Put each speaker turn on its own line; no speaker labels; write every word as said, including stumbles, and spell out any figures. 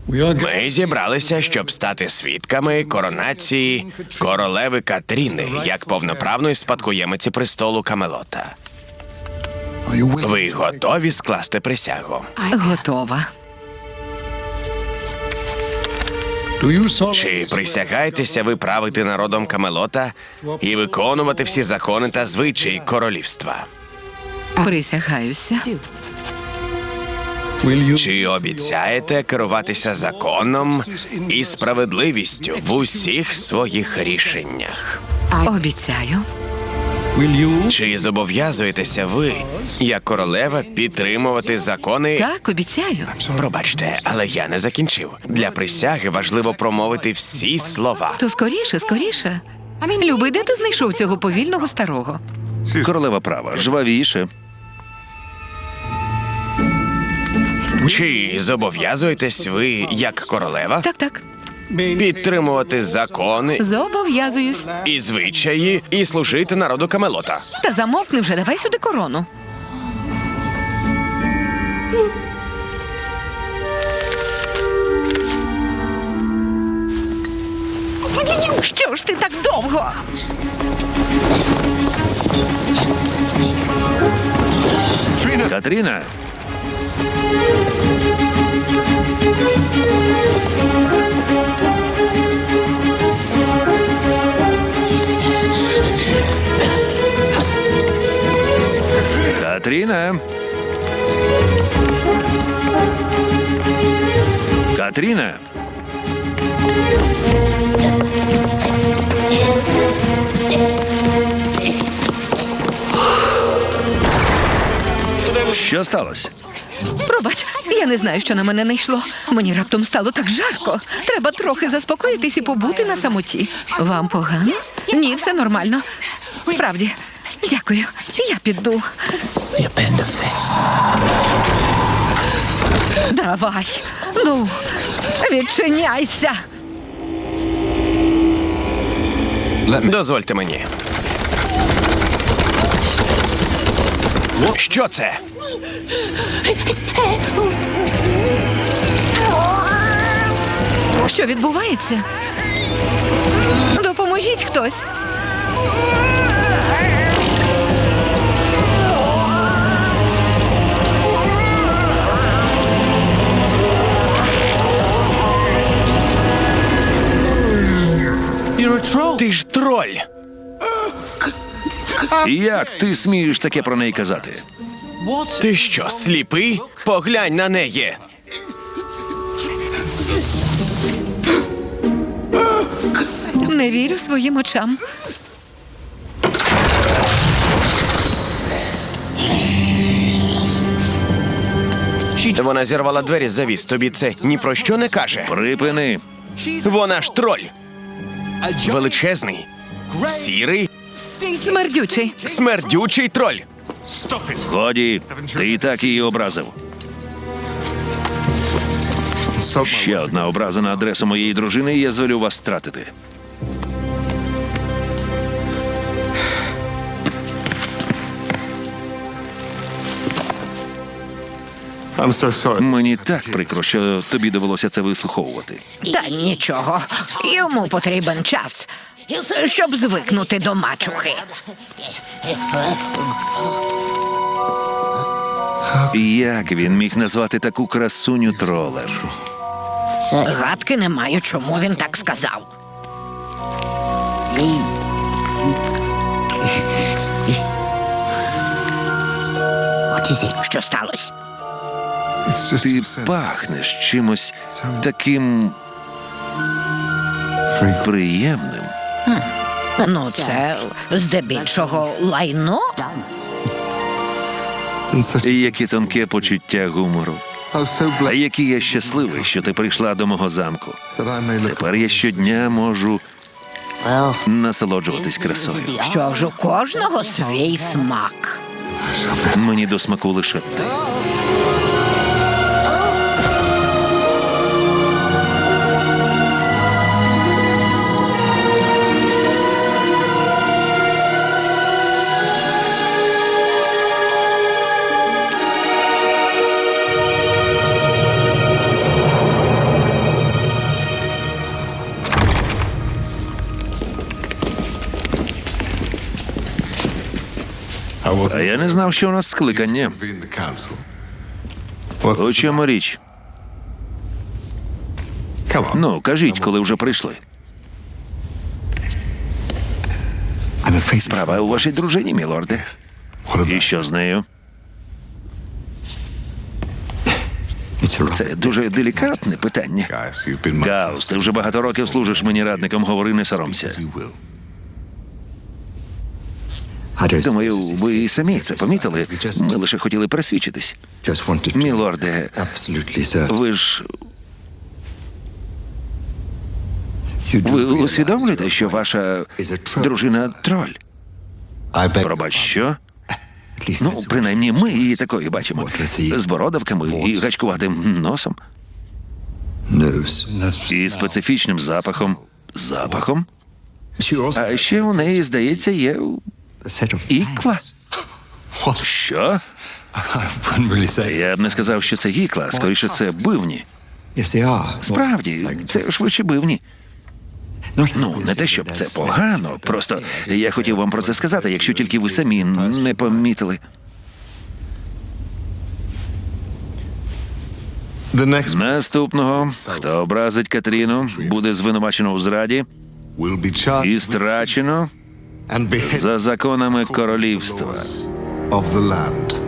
Ми зібралися, щоб стати свідками коронації королеви Катріни як повноправної спадкоємиці престолу Камелота. Ви готові скласти присягу?
Готова.
Чи присягаєтеся ви правити народом Камелота і виконувати всі закони та звичаї королівства?
Присягаюся.
Чи обіцяєте керуватися законом і справедливістю в усіх своїх рішеннях?
Обіцяю.
Чи зобов'язуєтеся ви, як королева, підтримувати закони?
Так, обіцяю.
Пробачте, але я не закінчив. Для присяги важливо промовити всі слова.
То скоріше, скоріше. Любий, де ти знайшов цього повільного старого?
Королева права, жвавіше.
Чи зобов'язуєтесь ви, як королева,
Так, так.
підтримувати закони
Зобов'язуюсь.
і звичаї і служити народу Камелота?
Та замовкни вже, давай сюди корону. Що ж ти так довго?
Катріна! Катріна! Катріна! Що сталося?
Пробач, я не знаю, що на мене не йшло. Мені раптом стало так жарко. Треба трохи заспокоїтись і побути на самоті. Вам погано? Ні, все нормально. Справді. Дякую. Я піду. Давай. Ну, відчиняйся.
Дозвольте мені. Що це?
Що відбувається? Допоможіть хтось.
Ти ж троль!
Як ти смієш таке про неї казати?
Ти що, сліпий? Поглянь на неї!
Не вірю своїм очам.
Вона зірвала двері з завіс. Тобі це ні про що не каже?
Припини.
Вона ж троль! Величезний, сірий,
Смердючий.
смердючий троль!
Годі, ти і так її образив. Ще одна образа на адресу моєї дружини, і я звелю вас стратити. Мені так прикро, що тобі довелося це вислуховувати.
Та нічого, йому потрібен час, щоб звикнути до мачухи.
Як він міг назвати таку красуню тролем?
Гадки не маю, чому він так сказав. Що сталося?
Ти пахнеш чимось таким приємним.
Ну, це здебільшого лайно.
І яке тонке почуття гумору. А який я щасливий, що ти прийшла до мого замку. Тепер я щодня можу насолоджуватись красою.
Що ж, у кожного свій смак.
Мені до смаку лише ти. А я не знав, що у нас скликання. У чому річ? Ну, кажіть, коли вже прийшли. Справа у вашій дружині, мілорде. І що з нею? Це дуже делікатне питання. Гаус, ти вже багато років служиш мені радником, говори, не соромся. Думаю, ви і самі це помітили. Ми лише хотіли пересвідчитись. Мілорде, ви ж... Ви усвідомлюєте, що ваша дружина троль? Пробач, що? Ну, принаймні, ми її такою бачимо. З бородавками і гачкуватим носом. І специфічним запахом. Запахом? А ще у неї, здається, є ікла. Що? Я б не сказав, що це ікла, скоріше це бивні. Справді, це швидше бивні. Ну, не те, щоб це погано, просто я хотів вам про це сказати, якщо тільки ви самі не помітили. Наступного, хто образить Катріну, буде звинувачено у зраді і страчено за законами королівства.